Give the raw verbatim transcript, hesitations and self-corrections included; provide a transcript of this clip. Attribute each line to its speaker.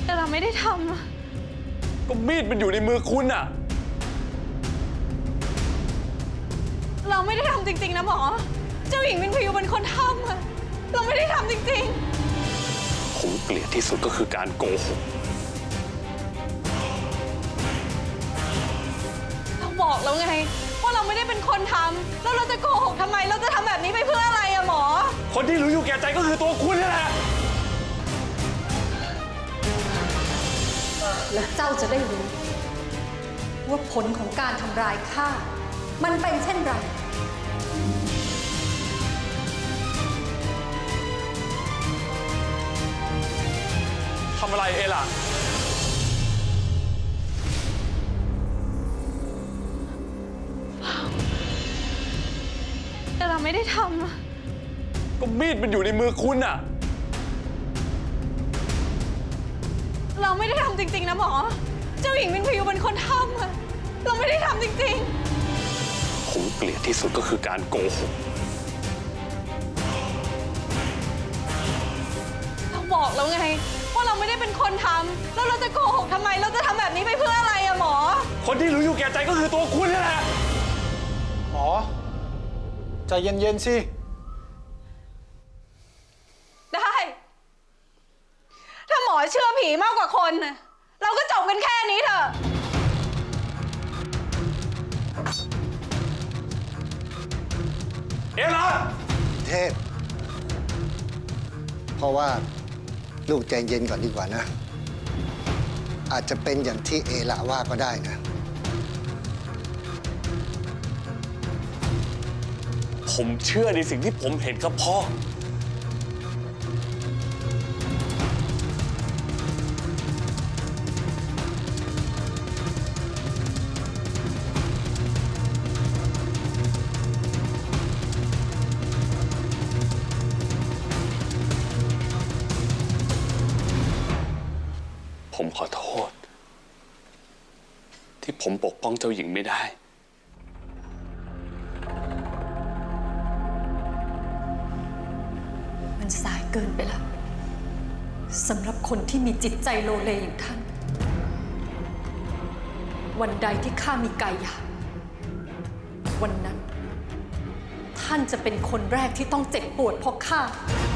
Speaker 1: แต่เราไม่ได้ทำอะ
Speaker 2: ก็มีดมันอยู่ในมือคุณอะ
Speaker 1: เราไม่ได้ทำจริงๆนะหมอเจ้าหญิงมินพยูเป็นคนทำอะเราไม่ได้ทำจริง
Speaker 2: ๆผมเกลียดที่สุดก็คือการโกหก
Speaker 1: เราบอกแล้วไงว่าเราไม่ได้เป็นคนทำแล้วเราจะโกหกทำไมเราจะทำแบบนี้ไปเพื่ออะไรอะหมอ
Speaker 2: คนที่รู้อยู่แก่ใจก็คือตัวคุณนี่แหละ
Speaker 3: และเจ้าจะได้รู้ว่าผลของการทำร้ายข้ามันเป็นเช่นไร
Speaker 2: ทำอะไรเอล่ะ
Speaker 1: แต่เราไม่ได้ทำอะ
Speaker 2: ก็มีดมันอยู่ในมือคุณอะ
Speaker 1: เราไม่ได้ทำจริงๆนะหมอเจ้าหญิงมินพยูเป็นคนทำอะเราไม่ได้ทำจริง
Speaker 2: ๆผมเกลียดที่สุดก็คือการโกหก
Speaker 1: เราบอกแล้วไงว่าเราไม่ได้เป็นคนทำแล้วเราจะโกหกทำไมเราจะทำแบบนี้ไปเพื่ออะไรอะหมอ
Speaker 2: คนที่รู้อยู่แก่ใจก็คือตัวคุณนี่แหละ
Speaker 4: หมอใจเย็นๆสิ
Speaker 1: ได้ถ้าหมอเชื่อผีมากกว่าคนนะเราก็จบกันแค่นี้เถอะ
Speaker 2: เอล่ะ
Speaker 5: เทพเพราะว่าลูกใจเย็นก่อนดีกว่านะอาจจะเป็นอย่างที่เอละว่าก็ได้นะ
Speaker 2: ผมเชื่อในสิ่งที่ผมเห็นกับพ่อผมขอโทษที่ผมปกป้องเจ้าหญิงไม่ได้
Speaker 3: มันสายเกินไปแล้วสำหรับคนที่มีจิตใจโลเลอย่างท่านวันใดที่ข้ามีกายหยาบวันนั้นท่านจะเป็นคนแรกที่ต้องเจ็บปวดเพราะข้า